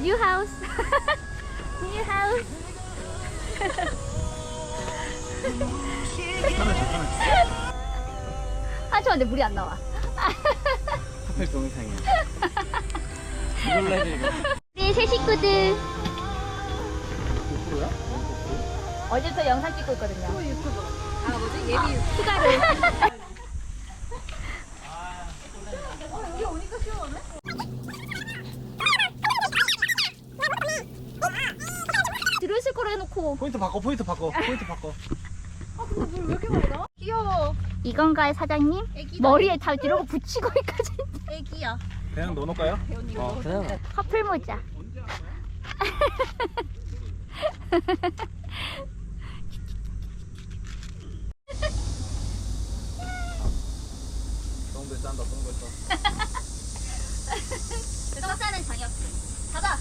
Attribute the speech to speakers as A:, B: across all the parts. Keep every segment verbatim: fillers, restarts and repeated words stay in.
A: New house. New house. 아, 저 근데 물이 안 나와.
B: 하필 동영상이야. 이걸로 해야 돼, 이거.
A: 우리 새 식구들.
B: 고프로야?
A: 어제부터 영상 찍고 있거든요.
C: 또 유튜브. 아 뭐지? 예비 유튜브.
A: 추가로.
C: 여기 오니까 시원하네?
A: 들어있을 거라 해놓고.
B: 포인트 바꿔, 포인트 바꿔, 포인트 바꿔.
C: 아 근데 물 왜 이렇게 많이 나? 귀여워.
A: 이건가요, 사장님?
C: 애기다.
A: 머리에 다 이러고 붙이고 있거든.
C: 애기야.
B: 그냥 넣어놓을까요?
C: 배우님
B: 어, 그냥.
A: 커플 모자.
B: 똥들 싼다, 똥들 싸.
A: 떡사는 저녁. 가자.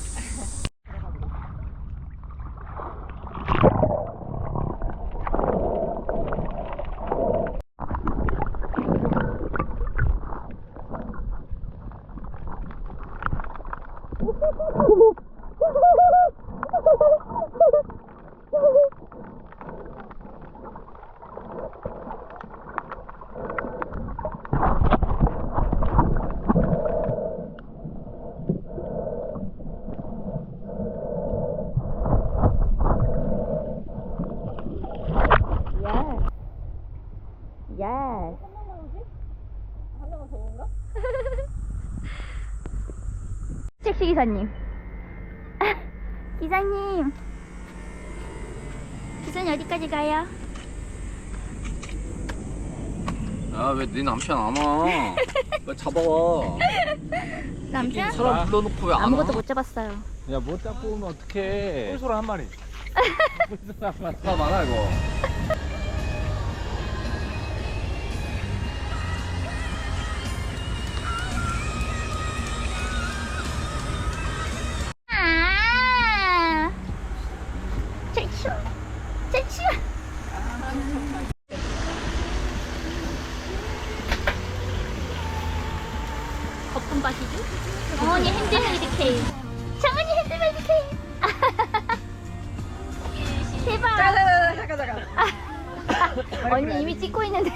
A: Yes.
C: 하나가 더운가?
A: 택시 기사님. 기사님. 기사님 어디까지 가요?
B: 아, 왜 네 남편 안 와? 왜 잡아와?
A: 남편?
B: 사람 불러놓고 왜 안 와?
A: 아무것도 못 잡았어요.
B: 야, 뭐 잡고 오면 어떡해. 꿀소라 한 마리. 꿀소라 한 마리. 다 많아, 이거.
A: 아, 잘 치워. 잘 치워. 거품 바시죠? 어머니 핸드메이드 케이크. 장모님 핸드메이드 케이크. 대박.
C: 잠깐 잠깐 잠깐.
A: 언니 이미 찍고 있는데.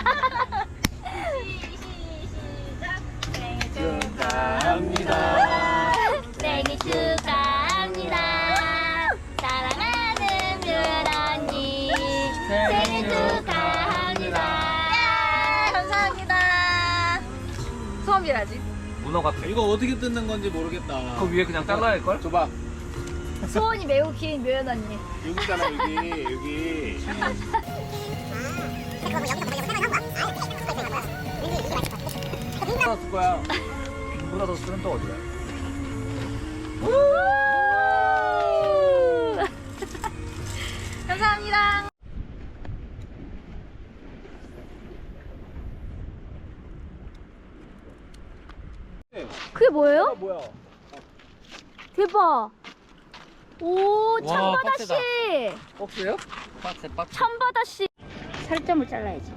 B: 축하합니다.
A: 생일 축하합니다. 사랑하는 뮤언니 생일 축하합니다.
C: 감사합니다. 소원비라지.
B: 문어 같아. 이거 어떻게 뜯는 건지 모르겠다. 그 위에 그냥 잘라야 할걸? 줘봐.
A: 소원이 매우 긴 뮤언 언니.
B: 여기잖아, 여기. 여기. 받았을 거야. 누구나 더 쓰는 또 어디야?
C: 감사합니다.
A: 그게 뭐예요?
B: 뭐야?
A: 대박. 오,
B: 와,
A: 참바다씨.
B: 박스요? 박스, 박스.
A: 참바다씨. 살점을 잘라야지.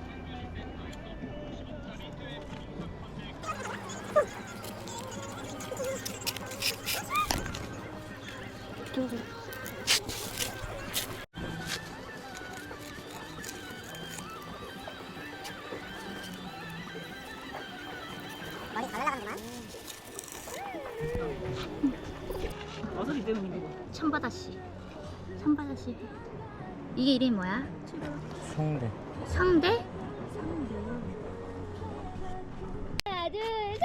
C: 머리 잘 날아가는구만.
B: 어설이 되는 거.
A: 참바다씨. 참바다씨. 이게 이름이 뭐야?
B: 성대.
A: 성대? 하나, 둘, 셋.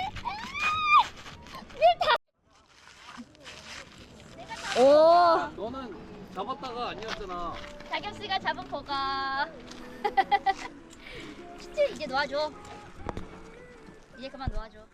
A: 아! 오,
B: 너는 잡았다가 아니었잖아.
A: 자겸 씨가 잡은 거가. 진짜 이제 놓아줘. 이제 그만 놓아줘.